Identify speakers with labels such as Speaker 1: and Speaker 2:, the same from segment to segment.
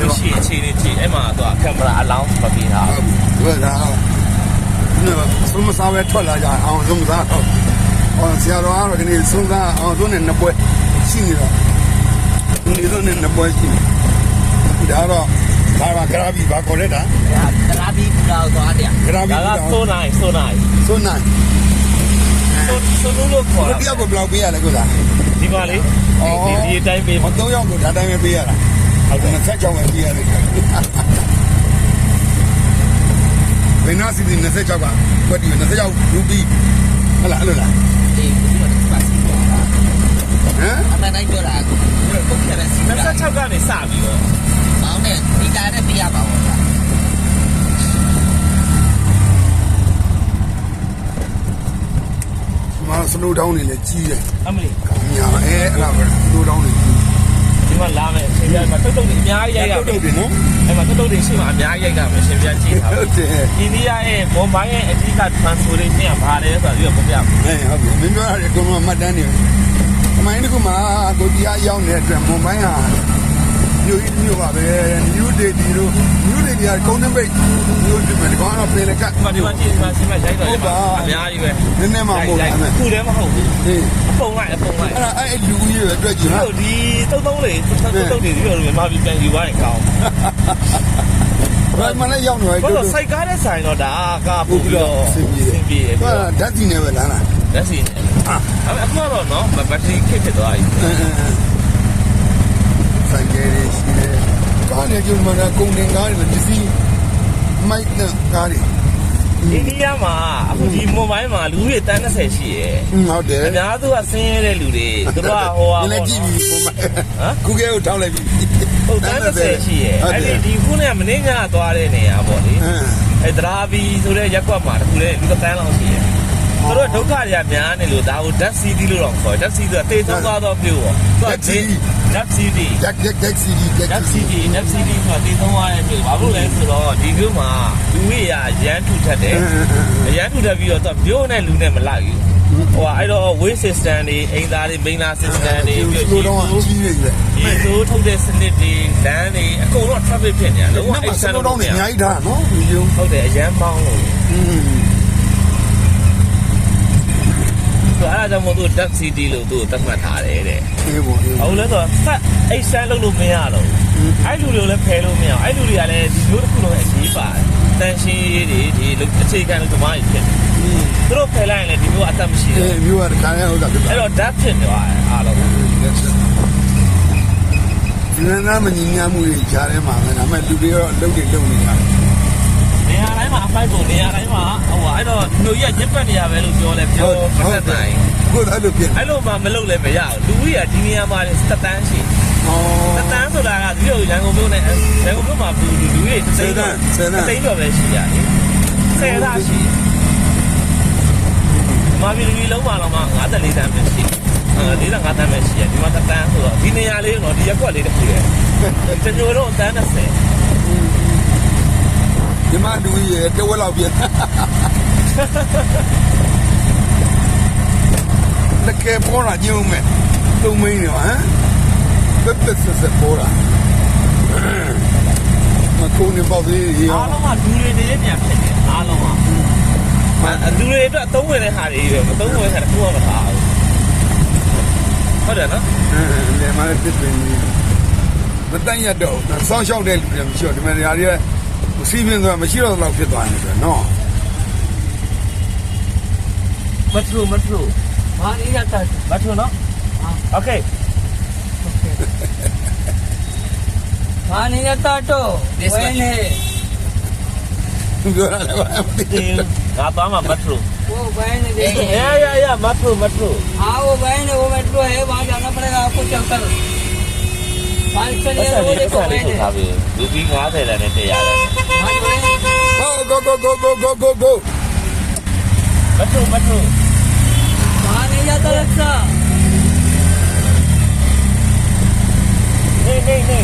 Speaker 1: လို့ရှိရင်အချိန်လေးကြည့်အဲ့မှာသူကကင်မရာအလောင်းမပေးတာ
Speaker 2: ဟုတ်ဒါဆုံးမစားပဲထွက်လာကြအောင်ဆုံးမစားတော့ဆရာတော်ကတော့ဒီနေ့ဆုံးစားအောင်သူနဲ့နှစ်ပွဲရှိနေတော့ဒီလိုနဲ့နှစ်ပွဲရှိနေဒါတော့ဘာကရာဘီဘာခေါ်လဲတာ
Speaker 1: ကရာဘီကတော့သွားတယ်
Speaker 2: ကရာဘီ
Speaker 1: ကဆိုနိုင်
Speaker 2: ဆိုလို့ခေါ်တာတရားကိုဘယ်လောက်ပေးရလဲကိုသား
Speaker 1: ဒီပါလေဒီအတိုင်းပေး
Speaker 2: 3ယောက်ကိုဒါတိုင်းပဲပေးရတာဟုတ်တယ်26ပဲပေးရတယ်ဘယ်နာစီဒီ26ကကွက်တီ26ရူပီဟုတ်လားအဲ့လိုလား
Speaker 1: အေးဒီမှာပါစီဟမ်အမှန်တိုင်းပြောတာကိုပုတ်ပြရစီ26ကနေစပြီးတော့မောင်းနဲ့ဒီကားနဲ့ပေးရပါဘော
Speaker 2: စနိုးတောင်းနေလည်းကြီးတယ်
Speaker 1: အမလီ
Speaker 2: ညာအဲ့လားပဲစနိုးတောင်းနေကြီး
Speaker 1: ဒီမှာလာမယ်ရှင်ပြမှာတုတ်တုတ်တွေအများကြီးရိုက်ရ
Speaker 2: တုတ်တွေနော်
Speaker 1: အဲ့မှာတုတ်တုတ်တွေရှိမှအများကြီးရိုက်တာမယ်ရှင်ပြကြည့်တာ
Speaker 2: ဟုတ်တယ်
Speaker 1: အိန္ဒိယရဲ့မွန်ဘိုင်းရဲ့အဓိက transportation ကဘာလဲဆိုတော့ပြပြမယ်
Speaker 2: ဟုတ်ပြီမင်းပြောရတယ်ကိုမမှတ်တမ်းနေအမိုင်းတကူမှာကိုတရားရောက်နေတဲ့အတွက်မွန်ဘိုင်းဟာမျိုးပါပဲ new day ဒီလို new day ကကုန်းနှပိတ်မျိုးဒီမှာကောင်းတော့ပြင်လက်ကတ်
Speaker 1: ဒီမှာကြည့်မှာရိုက်တော့အများကြီးပဲ
Speaker 2: နည်းနည်းမှမဟုတ်ဘူး
Speaker 1: ခုတည်းမဟုတ်ဘူး
Speaker 2: ဟေး
Speaker 1: အပုံလိုက်အဲ့
Speaker 2: လူကြီးရဲ့အတွက်ကြီးဟာ
Speaker 1: ဒီတုံးလေးတုံးတွေဒီလိုမြန်မာပြည်ပြန်ယူသွားရင်ကောင်း
Speaker 2: ဘာမှလည်းရောက်နေတယ်
Speaker 1: တို့စိုက်ကားတဲ့ဆိုင်တော့ဒါကပို့ပြီးတော့
Speaker 2: စင်ပြေတယ်ဓာတ်စီနဲ့ပဲလား
Speaker 1: ဓာတ်စီနဲ့အခုတော့နော်ဘက်ထရီခက်ဖြစ်သွားပြီ
Speaker 2: ဆိုင်ကလေးရှိတယ်ကားနဲ့ကျမှလည်းကုန်တင်ကားတွေပစ္စည်းမိုက်နဲ့ကားတွေ
Speaker 1: အိန္ဒိယမှာအခုဒီမွန်ဘိုင်းမှာလူတွေတန်း30ရှိရယ်
Speaker 2: ဟုတ်တယ်
Speaker 1: အများစုကဆင်းရဲတဲ့လူတွေသူတို့ကဟိုဟာ
Speaker 2: လည်းကြည့်ပြီးမွန်ဘိုင်းကူကဲကိုထောက်လိုက်ပြီ
Speaker 1: ဟုတ်တန်း30ရှိရယ်အဲ့ဒီခုနဲ့မင်းကသွားတဲ့နေရာပေါ့လေအဲ့ဒရာဘီဆိုတဲ့ရက်ကွက်မှာတခုလေလူတန်းလောက်ရှိရယ်သူတို့ဒုက္ခတွေကများနေလို့ဒါကို Death City လို့တော့ခေါ်တယ် Death City ဆိုတာတေဆုံးသွားတော့မြို့ပေါ့သူက Death City
Speaker 2: Death City
Speaker 1: ဆိုတာတေဆုံးသွားတဲ့မြို့ဘာလို့လဲဆိုတော့ဒီမြို့မှာလူတွေရမ်းထူထပ်တယ်ရမ်းထူထပ်ပြီးတော့သူမြို့နဲ့လူနဲ့မလိုက်ဘူးဟိုအဲ့တော့ way system တွေအိမ်သားတွေ main system တွေ
Speaker 2: ပြီးတော့ကြီးနေတယ်
Speaker 1: ဒီလိုထုတ်တဲ့စနစ်တွေလမ်းတွေအကုန်လုံး traffic ဖြစ်နေတာလုံးဝ
Speaker 2: အဲ့ဆန်တော့အများကြီးထားနော်ဒီလို
Speaker 1: ဟုတ်တယ်အရန်ပေါင်းလို့အဲ့ဒါကြောင့်မို့သူ Death City လို့သူသတ်မှတ်ထားတယ်တဲ့
Speaker 2: အေးပေါ့
Speaker 1: ဟုတ်လဲဆိုတော့အဲ့ဆန်းလုပ်လို့မရတော့အဲ့လူတွေကိုလည်းဖယ်လို့မရအောင်အဲ့လူတွေကလည်းဒီမျိုးတစ်ခုလုံးအရေးပါတယ်တန်ရှင်းရေးတွေဒီအခြေခံလို့ဓမ္မကြီးဖြစ်တယ်သူတို့ဖယ်လိုက်ရင်လည်းဒီမျိုးအသက်မရှိဘူး
Speaker 2: အေးမျိုးကခါရဟုတ်တာဖြစ်
Speaker 1: အဲ့တော့ Death ဖြစ်သွားတယ်အားလုံး
Speaker 2: ဒီနာမညီညာမှုတွေကြားထဲမှာပဲဒါပေမဲ့လူတွေတော့လုံနေလုံနေရတယ်
Speaker 1: နေရာတိုင်းမှာအဖိုက်ပုံနေရာတိုင်းမှာဟိုအဲ့တော့လူကြီးကညစ်ပတ်နေရပဲလို့ပြောလဲပြောမသက်နိုင်
Speaker 2: ကိုအဲ့လိုဖြစ်
Speaker 1: အဲ့လိုမှမလုပ်လဲမရဘူးလူကြီးကဒီနေရာမှာသက်တမ်းရှိသက်တမ်းဆိုတာကဒီလိုရန်ကုန်မြို့နဲ့ရန်ကုန်မြို့မှာလူကြီးတွေသိန်းတော့ပဲရှိရတယ်10သားရှိမာဗီလူကြီးလုံးပါတော့မှ54တန်းပဲရှိ45တန်းပဲရှိရဒီမှာသက်တမ်းဆိုတော့ဒီနေရာလေးတော့ဒီရက်ကွက်လေးတစ်ခုရဲ့ကျွန်တော်တို့တန်း30
Speaker 2: ဒီမှာလူကြီးတဝက်လောက်ပြန်တကယ်ပေါ်လာကြုံမဲ့သုံးမင်းရောဟမ်ပက်ဆက်ပေါ်လာမကုန်းနေပေါ့လေ
Speaker 1: အားလုံးကလူတွေနေပြန်ဖြစ်တယ်အားလုံးကလူတွေအတွက်အသုံးဝင်တဲ့ဟာတွေပဲမသုံးဝင်တဲ့ဟာတစ်ခုမှမထားဘူးဟုတ်တယ်နော်
Speaker 2: လေမလည်းတစ်ပင်မတန်ရတော့စောင်းရှောက်တဲ့လူတွေမရှိတော့ဒီမှာနေရာတွေစီးပြင်းသွားမရှိတော့တော့ဖြစ်သွားနေတယ်နော်
Speaker 1: မထူဘာနေရတာမထူနော်โอเคဘာနေရတာတော့ဝဲနေ
Speaker 2: ပြောရတယ်ဘာမသိ
Speaker 1: ငါသွားမှာမထူ
Speaker 3: वो बहन
Speaker 1: या मत रो
Speaker 3: हाँ वो बहन है वो मेट्रो है वहाँ जाना पड़ेगा आपको चलकर
Speaker 1: रूपी कहाँ थे रहने थे यार
Speaker 2: go
Speaker 1: मत रो
Speaker 3: वहाँ नहीं जाता रक्षा
Speaker 1: नहीं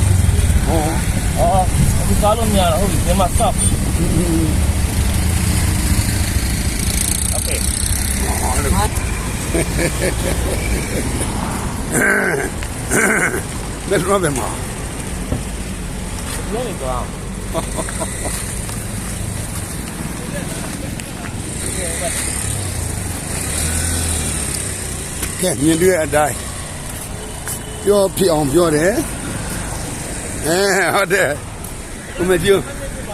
Speaker 1: अभी कालों में आ रहा होगी ये मत stop okay
Speaker 2: let's rub them off
Speaker 1: ကနေသွားအောင်
Speaker 2: ကဲမြင်တွေ့အတိုင်းပြောဖြစ်အောင်ပြောတယ်ဟုတ်တယ်ဦးမကျူ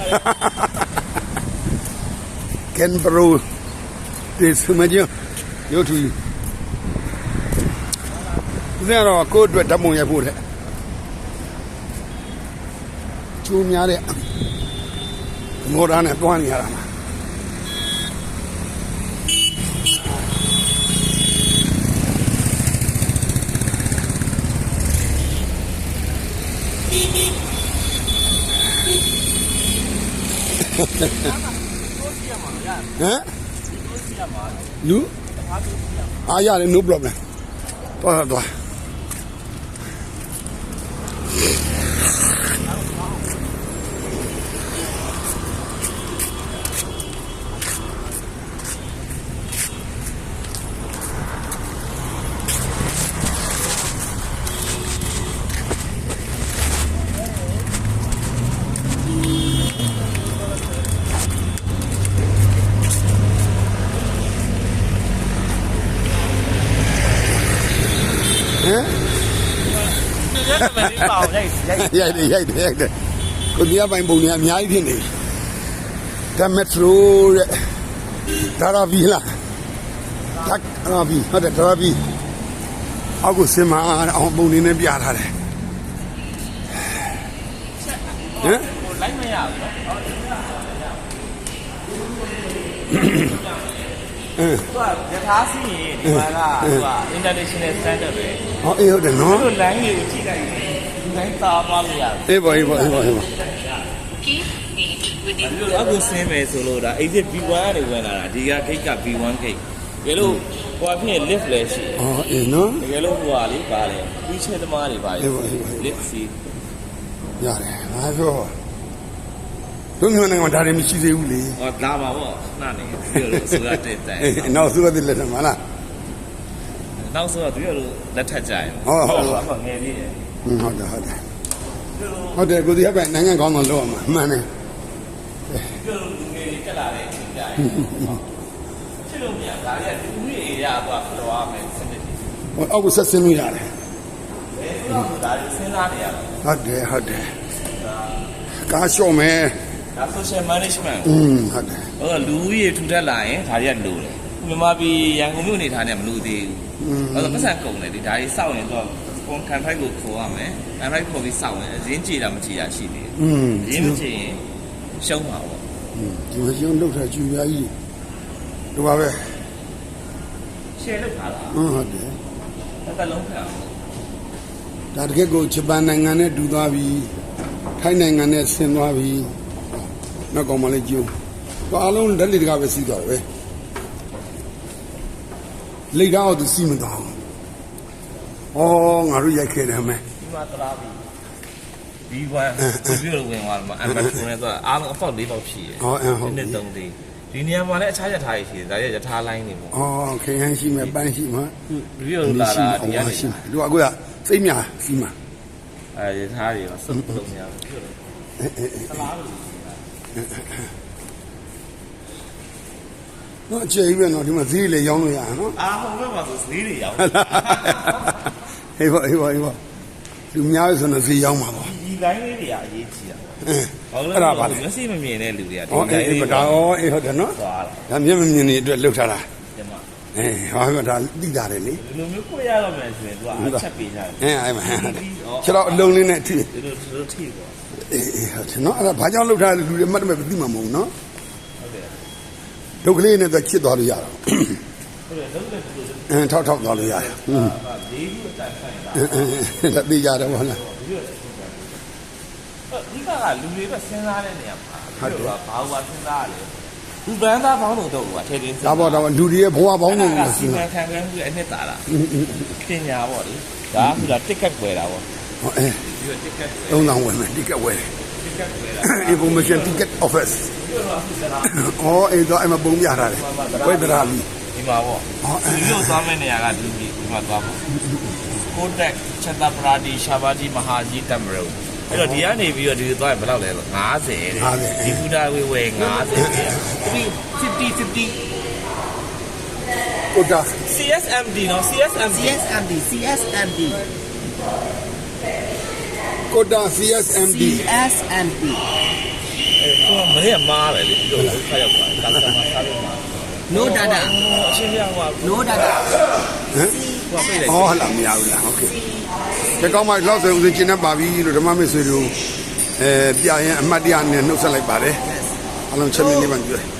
Speaker 2: ကန်ဘရိုဒီစမကျူရုပ်ထူဦးဇင်းတော့ကိုယ့်အတွက်ဓာတ်ပုံရိုက်ဖို့တဲ့ကျူးများတဲ့မော်ဒန်နဲ့တွားနေရတာမှာဟမ်လူအားရတယ် no problem သွားရိုက်တယ်ကိုဒီအပိုင်းပုံတွေအများကြီးဖြစ်နေဒါမက်ထရိုတဲ့ဒါရာဗီလာဒါရာဗီဟုတ်တယ်ဒါရာဗီအောက်ကိုစင်မအောင်ပုံနေနဲ့ပြထားတယ်ဟမ်
Speaker 1: လိုက်မရဘူးနော်သူကယထာစီရင်ဒီမှာကသူက international standard ပဲ
Speaker 2: ဟောအေးဟုတ်တယ်နော်
Speaker 1: သူ line ကိုကြည့်လိုက်ရင်ဒီ line သားပါလို့ရတယ်
Speaker 2: အေးပါအခု
Speaker 1: ဆင်းမယ်ဆိုလို့ဒါ exit B1 ကနေဝင်လာတာဒီက gate က B1 gate တကယ်လို့ဟိုအဖြစ် lift လည်းရှိတယ်
Speaker 2: အေးနော်
Speaker 1: တကယ်လို့ဟိုကလေပါလေပြီးချဲသမားတွေပါလေ lift စီ
Speaker 2: ရတယ်ငါပြောတို့မျိုးနိုင်ငံဒါတွေမရှိသေးဘူးလေ
Speaker 1: ဟောလာပါဗောနှနေပြောလို့ဆိုရတဲ့တိုင်
Speaker 2: နောက်ဆိုရတဲ့လက်ထမလား
Speaker 1: နောက်ဆိုတော့သူတို့လက်ထက်ကြရင်
Speaker 2: ဟုတ်
Speaker 1: ငယ်လေးတယ်
Speaker 2: ဟုတ်တယ်ကိုဒီအပိုင်းနိုင်ငံကောင်းတော့လောက်အောင်မှန်တယ်
Speaker 1: ပြောလို့ငယ်လေးတက်လာတဲ့အချိန်ကြရင်ချစ်လို့မရဒါတွေကလူကြီးအေးရသွားဖတော်ရမယ်စနစ်
Speaker 2: ဟိုအောက်ကိုဆက်ဆင်းလို့ရတယ်
Speaker 1: ဒါတွေစဉ်းစားနေရတာ
Speaker 2: ဟုတ်တယ်ကားလျှော့မယ်
Speaker 1: ဒါ social management
Speaker 2: ဟုတ်တယ်
Speaker 1: ဟိုလူကြီးထူထက်လာရင်ဒါတွေကလိုတယ်မြန်မာပြည်ရန်ကုန်မြို့နေထားနေမလို့သေးဘူးအဲ့တော့ပတ်စံကုန်တယ်ဒီဒါကြီးစောက်ရင်တော့ကွန်ကန်ဖိုက်ကိုခေါ်ရမယ်ကန်ဖိုက်ခေါ်ပြီးစောက်ရင်အရင်ကြည်တာမကြည်တာရှိသေးတယ်ရင်းမကြည်ရင်ရှုံးပါပေါ့
Speaker 2: ဒီမရှုံးလောက်တာကျူပြားကြီးဒီပါပဲ
Speaker 1: ရှယ်လောက်ထားတာ
Speaker 2: ဟုတ်တယ်
Speaker 1: တစ်လုံးခံ
Speaker 2: ဒါတကယ်ကိုဂျပန်နိုင်ငံနဲ့တူသွားပြီထိုင်းနိုင်ငံနဲ့ဆင်းသွားပြီနောက်ကောင်မလေးကျူဘာအလုံးလက်လက်တကပဲစီးသွားတယ်ပဲလိတ်တော့သူစီးမသွားဘူးငါတို့ရိုက်ခဲ့တယ်မယ်
Speaker 1: ဒီမှာတရာပြီB1 ပြောလို့ဝင်သွားမှာအမ်ဘတ်ကိုနဲ့တော့အားလုံးအပေါက်၄ပေါက်ဖြစ်ရ
Speaker 2: ဟုတ်
Speaker 1: နှစ်သုံးသေးဒီနေရာမှာလည်းအခြားရထားရှိတယ်ဒါရရထားလိုင်းနေပေါ့
Speaker 2: ခင်ဟန်းရှိမယ်ပန်းရှိမှာ
Speaker 1: ပြောလို့လာတာဒီကနေ
Speaker 2: ရှိသူကကိုစိတ်များစီးမှာ
Speaker 1: ရထားတွေစုပ်လုံးများပြောလို့သလားလို့
Speaker 2: နော်ကျေးပဲနော်ဒီမှာဈေးလေရောင်းလို့ရအောင်နော်
Speaker 1: ဟုတ်ကဲ့ပါဆိုဈေးတွေရောင်း
Speaker 2: ဟေးပါလူများဆိုတော့ဈေးရောင်းမှာပေါ့
Speaker 1: ဒီလိုင်းလေးတွေကအရေးကြီးတာ
Speaker 2: အဲ့ဒါပါလေ
Speaker 1: မျက်စိမမြင်တဲ့လူတွေက
Speaker 2: ဒီလိုင်းလေးဒါဟုတ်တယ်နော်ဒါမျက်မမြင်နေအတွက်လှုပ်ထားတာဟောဒါတိတာတယ်လေ
Speaker 1: ဒီလိုမျိုးကိုရတော့မယ်ဆိုရင်သူကအချက်ပေးထား
Speaker 2: တယ်အဲ့မှာခြေတော့အလုံးလေးနဲ့ထိ
Speaker 1: တို့ထိပေါ့
Speaker 2: ဟုတ်တယ်နော်အဲ့ဒါဘာကြောင့်လှုပ်ထားလဲလူတွေမှတ်တယ်မသိမှာမဟုတ်နော်ဒုက္ခလေးနဲ့တော့ချစ်သွားလို့ရတာ
Speaker 1: ဟုတ်တယ်လုံးနဲ့
Speaker 2: ထောက်သွားလို့ရတယ်
Speaker 1: လေးခုအတိုင်းဆိုင်တာ
Speaker 2: ဒါသိကြတယ်ဘောလား
Speaker 1: ဒီကလူတွေပဲစဉ်းစားတဲ့နေရာမှာဟုတ်တယ်ဘာလို့စဉ်းစားရလဲလူပန်းသားပေါင်းလို့တော့ထည့်တင်
Speaker 2: ဒါပေါ့လူတွေရဲ့ဘဝပေါင်းလို့
Speaker 1: စီမံခန့်ခွဲမှုအနှစ်သာလားပညာပေါ့လေဒါကတစ်ကတ်ွယ်တာပေါ့
Speaker 2: ဒီတစ်ကတ်3000ဝယ်မယ်တစ်ကတ်ဝယ်information ticket office အဲ့တော့အမပုံပြထားတယ်ဝိဒရာလီ
Speaker 1: ဒီမှာပေါ့ဒီလိုသွားမယ့်နေရာကဒီမှာသွားပေါ့ကိုတက်ချက်တာပရာဒီရှာဘာဂျီမဟာဂျီတမ်ဘရိုအဲ့တော့ဒီကနေပြီးတော့ဒီသွားဘယ်လောက်လဲဆို50ဒီဖူတာဝေဝေ50 50
Speaker 2: ကိုတာ
Speaker 1: CSMD နော် CSMD
Speaker 3: CSMD CSMD
Speaker 2: ကိုတာ CSMD
Speaker 3: CSMD
Speaker 1: ဟိုမနေ့ကမားတယ်လေဒီလိုခါရောက်ပါကာစတမာစားလို့မှာ
Speaker 3: no data
Speaker 1: အရှင်းပြဟို
Speaker 3: no data
Speaker 2: ဟမ်
Speaker 1: ဟိုပြလိုက်
Speaker 2: ဟောလာမရဘူးလားโอเคဒီကောင်းမှလောက်ဆိုဦးစင်ကျင်းနေပါပြီလို့ဓမ္မမိတ်ဆွေတို့ပြရင်အမှတ်တရနဲ့နှုတ်ဆက်လိုက်ပါတယ်အလုံးချက်မြင့်နေပါကြွ